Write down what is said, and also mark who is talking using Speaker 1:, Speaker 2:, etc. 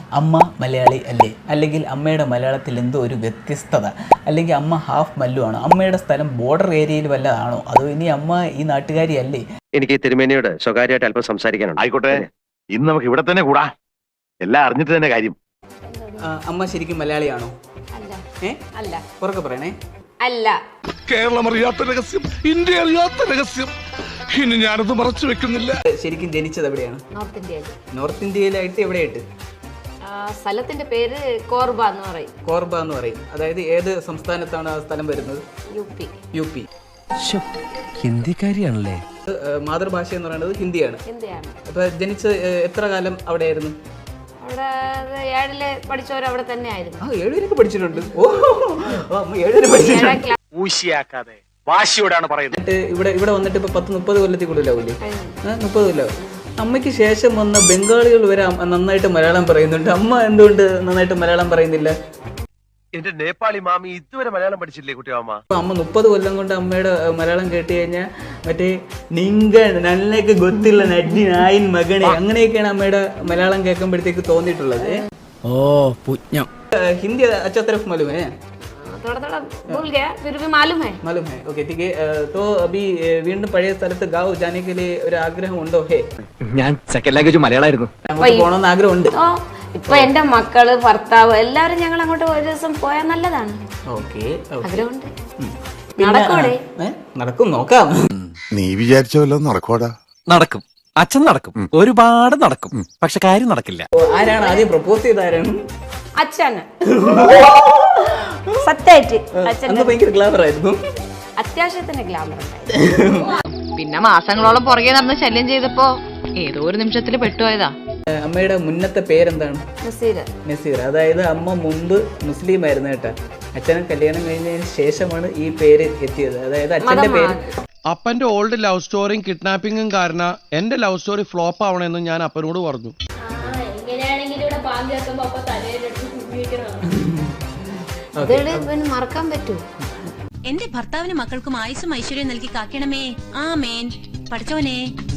Speaker 1: അമ്മ മലയാളി അല്ലേ, അല്ലെങ്കിൽ അമ്മയുടെ മലയാളത്തിൽ എന്തോ ഒരു വ്യത്യസ്തത, അല്ലെങ്കിൽ അമ്മ ഹാഫ് മല്ലു ആണോ, അമ്മയുടെ സ്ഥലം ബോർഡർ ഏരിയയിൽ വല്ലതാണോ, അതോ ഇനി അമ്മ ഈ നാട്ടുകാരി അല്ലേ?
Speaker 2: എനിക്ക് തിരുമേനിയോട് സ്വകാര്യമായിട്ട് അല്പം സംസാരിക്കാനുണ്ട്.
Speaker 3: ആയിക്കോട്ടെ, ഇന്ന് നമുക്ക് ഇവിടെ തന്നെ കൂടാ. എല്ലാം അറിഞ്ഞിട്ട് തന്നെ കാര്യം.
Speaker 1: അമ്മ ശരിക്കും മലയാളിയാണോ?
Speaker 4: അല്ല.
Speaker 1: ഉറക്കെ പറയണേ.
Speaker 4: അല്ല.
Speaker 5: കേരളം അറിയാത്ത രഹസ്യം, ഇന്ത്യ അറിയാത്ത രഹസ്യം. ഇനി ഞാനത് മറച്ചു വെക്കുന്നില്ല.
Speaker 1: ശരിക്കും ജനിച്ചത് എവിടെയാണ്?
Speaker 4: നോർത്ത് ഇന്ത്യയിൽ.
Speaker 1: നോർത്ത് ഇന്ത്യയിലായിട്ട് എവിടെയായിട്ട്?
Speaker 4: സ്ഥലത്തിന്റെ പേര് കോർബ എന്ന് പറയും.
Speaker 1: കോർബ എന്ന് പറയും. അതായത് ഏത് സംസ്ഥാനത്താണ് ആ സ്ഥലം വരുന്നത്? U P.
Speaker 6: ഹിന്ദിക്കാരിയാണല്ലേ?
Speaker 1: മാതൃഭാഷ എന്ന് പറയുന്നത് ഹിന്ദിയാണ്. അപ്പൊ ജനിച്ച് എത്ര കാലം അവിടെയായിരുന്നു?
Speaker 4: അവിടെ 7ല് പഠിച്ചവർ അവിടെ തന്നെ ആയിരുന്നു.
Speaker 1: 7 വരെയൊക്കെ പഠിച്ചിട്ടുണ്ട്. അമ്മ 7 വരെ പഠിച്ചിട്ടുണ്ട്.
Speaker 2: ഊശിയാക്കാതെ വാശിയോടാണ് പറയുന്നത്.
Speaker 1: ഇവിടെ വന്നിട്ട് ഇപ്പൊ 10-30 കൊല്ലത്തിൽ കൂടുതലാവൂലേ? 30 കൊല്ലം. അമ്മയ്ക്ക് ശേഷം വന്ന ബംഗാളികൾ വരെ നന്നായിട്ട് മലയാളം പറയുന്നുണ്ട്. അമ്മ എന്തുകൊണ്ട് നന്നായിട്ട് മലയാളം പറയുന്നില്ല?
Speaker 2: എന്റെ നേപ്പാളി മാമി ഇതുവരെ മലയാളം പഠിച്ചില്ലേ കുട്ടിയമ്മ?
Speaker 1: അമ്മ 30 കൊല്ലം കൊണ്ട് അമ്മയുടെ മലയാളം കേട്ട് കഴിഞ്ഞാൽ മറ്റേ നിങ്ക നല്ലൊക്കെ ഗൊത്തില്ല നഡ്ഡി നായിൻ മകനെ അങ്ങനെയൊക്കെയാണ് അമ്മയുടെ മലയാളം കേൾക്കുമ്പോഴത്തേക്ക് തോന്നിയിട്ടുള്ളത്.
Speaker 6: ഓ പുജ്ഞം.
Speaker 1: ഹിന്ദി अच्छा तरफ मालूम है?
Speaker 4: थोड़ा भूल गया, फिर भी मालूम है.
Speaker 1: ओके ठीक है. तो अभी വീണ്ടും പഴയ സ്ഥലത്ത് ഗാവ് जाने के लिए ഒരു ആഗ്രഹം ഉണ്ടോ?
Speaker 6: ഞാൻ സെക്കൻഡ് ലാംഗ്വേജ് മലയാളമായിരുന്നു.
Speaker 1: അങ്ങോട്ട് പോകണമെന്ന് ആഗ്രഹമുണ്ട്.
Speaker 4: ഇപ്പൊ എന്റെ മക്കള് ഭർത്താവ് എല്ലാവരും ഞങ്ങൾ അങ്ങോട്ട് ഒരു ദിവസം പോയാൽ നല്ലതാണ്. ആഗ്രഹമുണ്ട്.
Speaker 1: നടക്കും, നോക്കാം.
Speaker 5: നീ വിചാരിച്ച വല്ലതും നടക്കോടാ?
Speaker 6: നടക്കും, അച്ഛൻ നടക്കും, ഒരുപാട് നടക്കും. പക്ഷെ കാര്യം നടക്കില്ല.
Speaker 1: ആരാണ് ആദ്യം പ്രപ്പോസ് ചെയ്ത? ആരാണ്?
Speaker 4: അച്ഛന്. സത്യമായിട്ട് അച്ഛൻ
Speaker 1: ഭയങ്കര ഗ്ലാമർ ആയിരുന്നു.
Speaker 4: അത്യാവശ്യത്തിന് ഗ്ലാമർ ഉണ്ടായിരുന്നു.
Speaker 7: പിന്നെ മാസങ്ങളോളം പുറകെ നടന്ന് ശല്യം ചെയ്തപ്പോ ഏതോ ഒരു നിമിഷത്തിൽ പെട്ടുപോയതാ.
Speaker 1: അമ്മയുടെ മുന്നത്തെ പേരെന്താണ്? നസീർ. അതായത് അമ്മ മുമ്പ് മുസ്ലിം ആയിരുന്നു കേട്ടാ. അച്ഛനെ കല്യാണം കഴിഞ്ഞതിന് ശേഷമാണ് ഈ പേര് എത്തിയത്. അതായത് അച്ഛന്റെ പേര്.
Speaker 8: അപ്പന്റെ ഓൾഡ് ലവ് സ്റ്റോറിയും കിഡ്നാപ്പിംഗും കാരണം എന്റെ ലവ് സ്റ്റോറി ഫ്ലോപ്പ് ആവണമെന്ന് ഞാൻ അപ്പനോട് പറഞ്ഞു.
Speaker 4: മറക്കാൻ പറ്റൂ.
Speaker 7: എന്റെ ഭർത്താവിനും മക്കൾക്കും ആയുസ്സും ഐശ്വര്യം നൽകി കാക്കണമേ. ആമേൻ. പഠിച്ചോനെ.